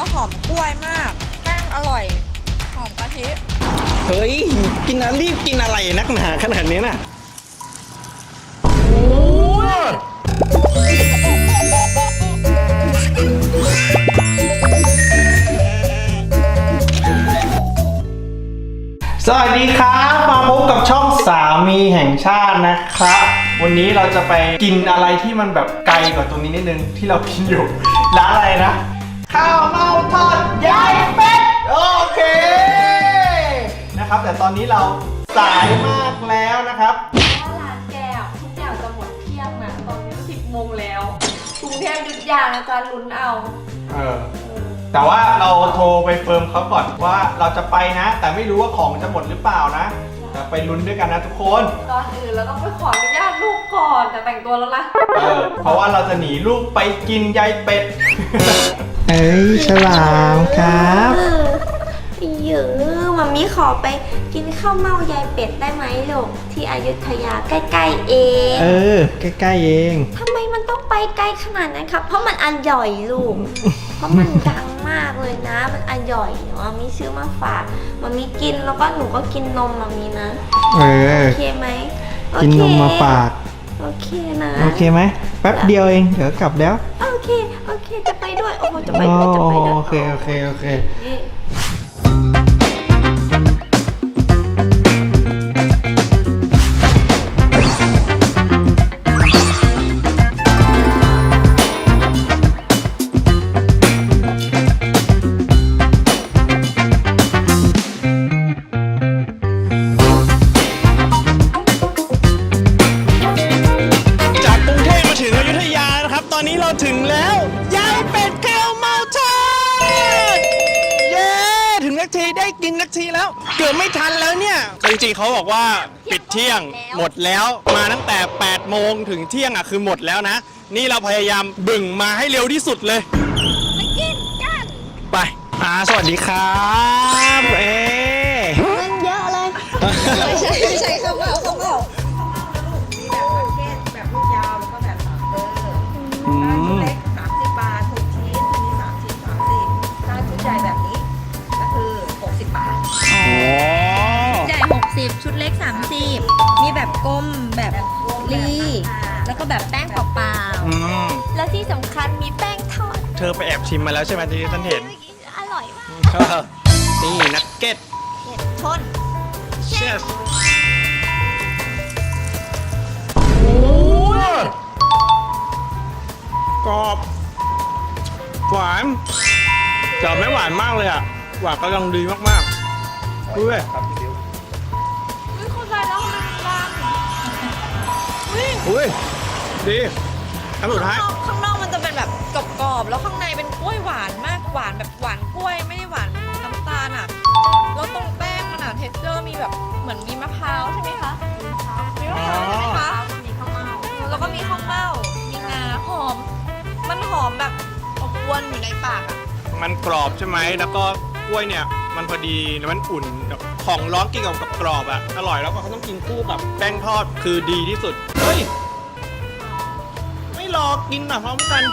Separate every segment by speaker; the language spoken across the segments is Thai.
Speaker 1: แล้วหอมกล้วยมากแป้งอร่อยหอมกะทิ
Speaker 2: เฮ้ยกินอะไรรีบกินอะไรนักหนาขนาดนี้น่ะสวัสดีครับมาพบกับช่องสามีแห่งชาตินะครับวันนี้เราจะไปกินอะไรที่มันแบบไกลกว่าตรงนี้นิดนึงที่เรากินอยู่ร้านอะไรนะข้าวเม่าทอดยายเป็ดโอเคนะครับแต่ตอนนี้เราสายมากแล้วนะครับ
Speaker 3: ร้านแก้วทุกอย่างจะหมดเที่ยงนะตอนนี้10 โมงแล้วกรุงเทพหยุดยาวนะจ๊ะลุ้นเอา
Speaker 2: แต่ว่าเราโทรไปเฟิร์มเขาก่อนว่าเราจะไปนะแต่ไม่รู้ว่าของจะหมดหรือเปล่านะแต่ไปลุ้นด้วยกันนะทุกคน
Speaker 3: ก่อนอื่นเราต้องไปขออนุญาตลูกก่อนแต่แต่งตัวแล้วนะ
Speaker 2: เพราะว่าเราจะหนีลูกไปกินยายเป็ดเอ้ยฉลามครับ
Speaker 3: เยอะมัมมี่ขอไปกินข้าวเม่ายายเป็ดได้ไหมลูกที่อยุธยาใกล้ๆเอง
Speaker 2: ใกล้ๆเอง
Speaker 3: ทำไมมันต้องไปไกลขนาดนั้นครับเพราะมันอร่อยลูกเพราะมันดังมากเลยนะมันอร่อยมัมมี่ซื้อมาฝากมัมมี่กินแล้วก็หนูก็กินนมมัมมี่นะโอเคไหม
Speaker 2: กินนมมาฝาก
Speaker 3: โอเคนะ
Speaker 2: โอเคไหมแป๊บเดียวเองเดี๋ยวกลับแล้ว
Speaker 3: โอเคจะไปด้วยโอ้จะไปด้วย
Speaker 2: โอเคตอนนี้เราถึงแล้วยายเป็ดข้าวเม่าทอดเย้ถึงนักทีได้กินนักทีแล้วเกือบไม่ทันแล้วเนี่ยจริงๆเขาบอกว่าปิดเที่ยงหมดแล้วมาตั้งแต่8 โมงถึงเที่ยงอ่ะคือหมดแล้วนะนี่เราพยายามบึ่งมาให้เร็วที่สุดเลย
Speaker 3: ไปกินกัน
Speaker 2: ไปสวัสดีครับ
Speaker 3: เงินเยอะเลยไม่ใช่ข้าวเม่า
Speaker 1: ชุดเล็ก30 บาท6 ชิ้นอันนี้3 ชิ้น30ถ้าชุดใหญ่แบบนี้ก็คือ60 บาท
Speaker 3: ชุดใหญ่60ชุดเล็ก30มีแบบกลมแบบรีแล้วก็แบบแป้งเปล่าๆแล้วที่สำคัญมีแป้งทอด
Speaker 2: เธอไปแอบชิมมาแล้วใช่ไหมที่ฉันเห็น
Speaker 3: อร่อยมาก
Speaker 2: นี่นักเก็ต
Speaker 3: ชน
Speaker 2: เชฟกรอบหวานแต่ไม่หวานมากเลยอ่ะหวานกำลังดีมากๆด้วย
Speaker 3: คนใจแล้วมัน
Speaker 2: อุ้ยดีอันสุดท้าย
Speaker 1: ข้างนอกมันจะเป็นแบบกรอบๆแล้วข้างในเป็นกล้วยหวานมากหวานแบบหวานกล้วยไม่ได้หวานน้ำตาลอ่ะแล้วตรงแป้งมันอ่ะเท็กเจอร์มีแบบเหมือนมีมะพร้าวใช่ไหมคะมีมะพร้าวใช่ไหมคะมีข้าวเม่าแล้วก็มีข้าวเม่ามีงาหอมมันหอมแบบอบอวนอยู่ในปากอ่ะ
Speaker 2: มันกรอบใช่ไหมแล้วก็กล้วยเนี่ยมันพอดีแล้วมันอุ่นแบบของร้อนกินกับกรอบอ่ะอร่อยแล้วก็เขาต้องกินคู่กับแป้งทอดคือดีที่สุดเฮ้ยไม่รอกินอ่ะพร้อมกัน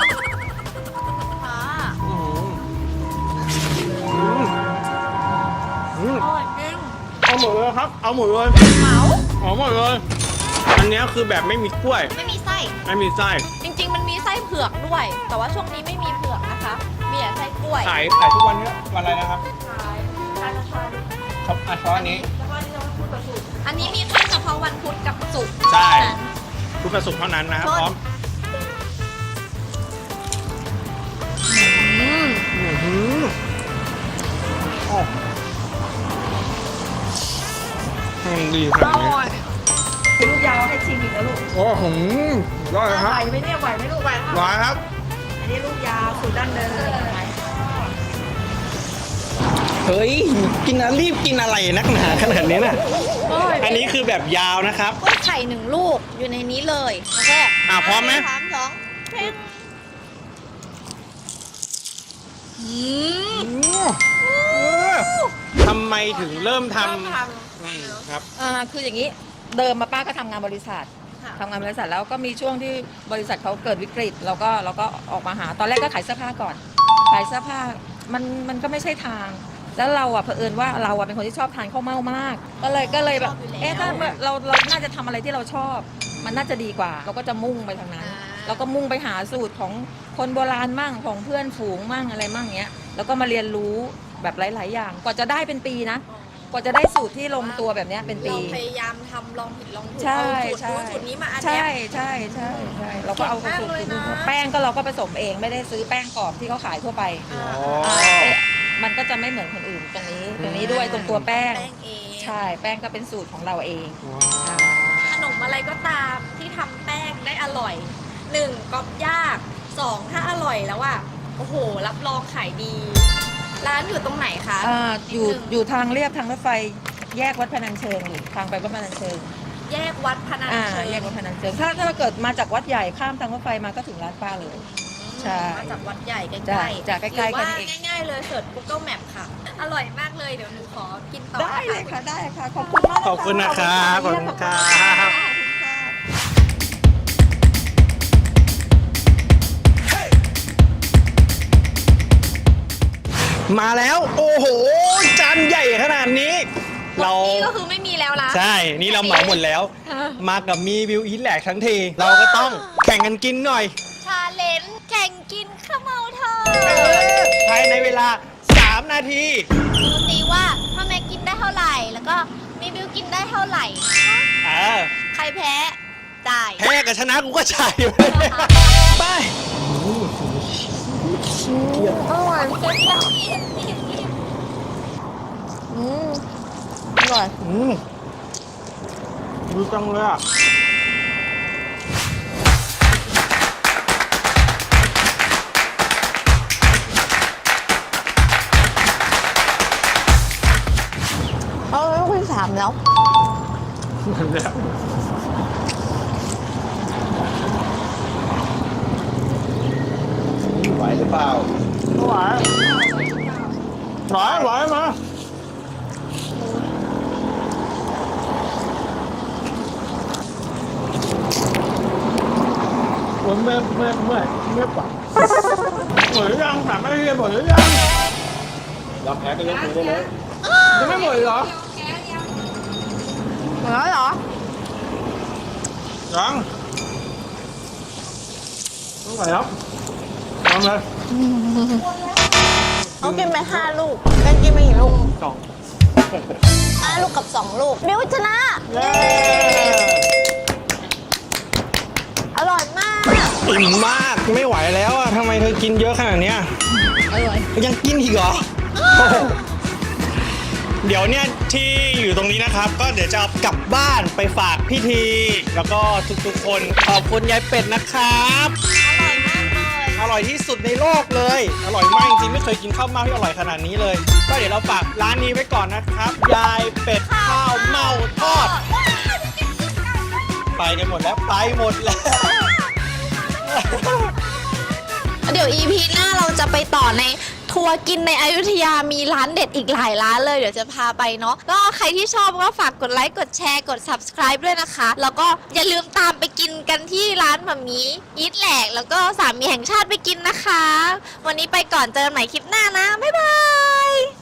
Speaker 1: อร่อยจริง
Speaker 2: เอาหมดเลยครับเอาหมดเลย
Speaker 1: เหมา
Speaker 2: เอาหมดเลยอันนี้คือแบบไม่มีกล้วย
Speaker 1: ไม่มีไส้จริงๆมันมีไส้เผือกด้วยแต่ว่าช่วงนี้ไม่มีเผือกนะคะมีแต่ไส้กล้วย
Speaker 2: ขายทุกวันนี้วันอะไรนะครับ
Speaker 1: ขาย
Speaker 2: ครับเฉพาะอันนี้
Speaker 1: อันนี้มีแค่เฉพาะวันพุธกับศุกร์
Speaker 2: ใช่พุธกับศุกร์เท่านั้นนะครับพร้อมดีขนาดนี้
Speaker 1: ลูกยาวให้ชิมอีกแล้วลูก
Speaker 2: โอ้โหได้ครับ
Speaker 1: ไหวไหมเนี่ยไหวไหมลูกไหว
Speaker 2: ครับ
Speaker 1: อันนี้ลูกยาวสูตรดั้งเดิม
Speaker 2: เฮ้ยกินอะไรรีบกินอะไรนักหนาขนาดนี้น่ะอันนี้คือแบบยาวนะครับ
Speaker 1: กล้วยไข่1 ลูกอยู่ในนี้เลยโอเค
Speaker 2: พร้อมไหม
Speaker 1: 3 2 1
Speaker 2: ทำไมถึงเริ่มทำ
Speaker 1: ครับคืออย่างนี้เดิมมาป้าก็ทำงานบริษัทแล้วก็มีช่วงที่บริษัทเขาเกิดวิกฤตเราก็ออกมาหาตอนแรกก็ขายเสื้อผ้าก่อนขายเสื้อผ้า
Speaker 4: มันก็ไม่ใช่ทาง แล้วเราเผอิญว่าเราเป็นคนที่ชอบทานข้าวเม่ามาก ก็เลยแบบถ้าเราน่าจะทำอะไรที่เราชอบ มันน่าจะดีกว่า เราก็จะมุ่งไปทางนั้นเราก็มุ่งไปหาสูตรของคนโบราณมั่งของเพื่อนฝูงมั่งอะไรมั่งเงี้ยแล้วก็มาเรียนรู้แบบหลาย ๆ อย่างกว่าจะได้เป็นปีนะกว่าจะได้สูตรที่ลงตัวแบบเนี้ยเป็นปี
Speaker 1: เราพยายามทำลองผิดลองถูก
Speaker 4: ใช่
Speaker 1: เอาสูตรนี้มาอัดแอ
Speaker 4: ใช่
Speaker 1: ป
Speaker 4: ใช่ใช่ใช่เราก็เอาสูตรแป้งก็เราก็ผสมเองไม่ได้ซื้อแป้งกรอบที่เขาขายทั่วไปมันก็จะไม่เหมือนคนอื่นตรงนี้ด้วยตรงตัวแป้ง
Speaker 1: แป้งเอง
Speaker 4: ใช่แป้งก็เป็นสูตรของเราเอง
Speaker 1: ขนมอะไรก็ตามที่ทำแป้งได้อร่อย1ก๊อปยาก2ถ้าอร่อยแล้วอ่ะโอ้โหรับรองขายดี ร้านอยู่ตรงไหนคะ
Speaker 4: อยู่ทางเรียบทางรถไฟแยกวัดพนัญเชิงอยู่ทางไปวัดพนัญเชิง
Speaker 1: แยกวัดพนัญเชิง
Speaker 4: แยกวัดพนัญเชิงถ้าเราเกิดมาจากวัดใหญ่ข้ามทางรถไฟมาก็ถึงร้านป้าเลย ใช่
Speaker 1: มาจากวัดใหญ่ใก
Speaker 4: จ้ะ
Speaker 1: ล้
Speaker 4: จ้ะใกล้ๆ
Speaker 1: หรือ
Speaker 4: กัน
Speaker 1: ว่า
Speaker 4: เอง
Speaker 1: ง่ายๆเลยเสิร์ช Google Map ค่ะ อร่อยมากเลยเดี๋ยวหนูขอกินต่อ
Speaker 4: ได้เลยค่ะได้ค่ะขอบคุณมาก
Speaker 2: ขอบคุณนะครับขอบคุณครับ มาแล้วโอ้โหจานใหญ่ขนาดนี้ เรา
Speaker 1: นี่ก็คือไม่มีแล้วละ
Speaker 2: ใช่นี่เราเหมาหมดแล้ว มากับมีวิวอีทแหลกทั้งที เราก็ต้องแข่งกันกินหน่อย
Speaker 1: ชาเลนจ์แข่งกินข้าวเมาทอด
Speaker 2: ภายในเวลา 3 นาที
Speaker 3: ดูซิว่าพ่อแม่กินได้เท่าไหร่ แล้วก็มีบิวกินได้เท่าไหร่ ใครแพ้จ่าย
Speaker 2: แพ้กับชนะกูก็จ่ายไป
Speaker 3: อร่อยเจ๊จ้า
Speaker 4: อร่อย
Speaker 2: ดูจังเลยอ่ะ
Speaker 3: คุย3แล้ว
Speaker 2: ไหวหรือเปล่าไหวมาผมไม่ปักหมดหรือยังถามไม่ได้หมดหรือยังเราแพ้ก็ยกมือได้เลยยังไม่หมดเหรอ
Speaker 3: หมดแล้วเหรอ
Speaker 2: ยังต้องไหวแล้วทำเลย
Speaker 3: เอากินไป5 ลูกกันกินไปกี่ลูก
Speaker 2: 2
Speaker 3: 5 ลูกกับ 2 ลูกบิวชนะ
Speaker 2: เย้
Speaker 3: อร่อยมาก
Speaker 2: อิ่มมากไม่ไหวแล้วอ่ะทำไมเธอกินเยอะขนาดเนี้ย
Speaker 4: อร่อย
Speaker 2: ยังกินอีกเหรอ เดี๋ยวเนี่ยที่อยู่ตรงนี้นะครับ ก็เดี๋ยวจะเอากลับบ้านไปฝากพี่ที แล้วก็ทุกๆคนขอบคุณยายเป็ดนะครับ
Speaker 3: อร่อยมากเลย
Speaker 2: อร่อยที่สุดในโลกเลย อร่อยมากจริงๆไม่เคยกินข้าวเม่าที่อร่อยขนาดนี้เลย ก็เดี๋ยวเราฝากร้านนี้ไว้ก่อนนะครับ ยายเป็ดข้าวเม่าทอด ไปกันหมดแล้วไปหมดแล้ว
Speaker 3: เดี๋ยว EP หน้าเราจะไปต่อในทัวร์กินในอยุธยามีร้านเด็ดอีกหลายร้านเลยเดี๋ยวจะพาไปเนาะก็ใครที่ชอบก็ฝากกดไลค์กดแชร์กด subscribe ด้วยนะคะ แล้วก็อย่าลืมตามไปกินกันที่ร้านหม่ามีอีทแหลกแล้วก็สามีแห่งชาติไปกินนะคะ วันนี้ไปก่อนเจอกันใหม่คลิปหน้านะบ๊ายบาย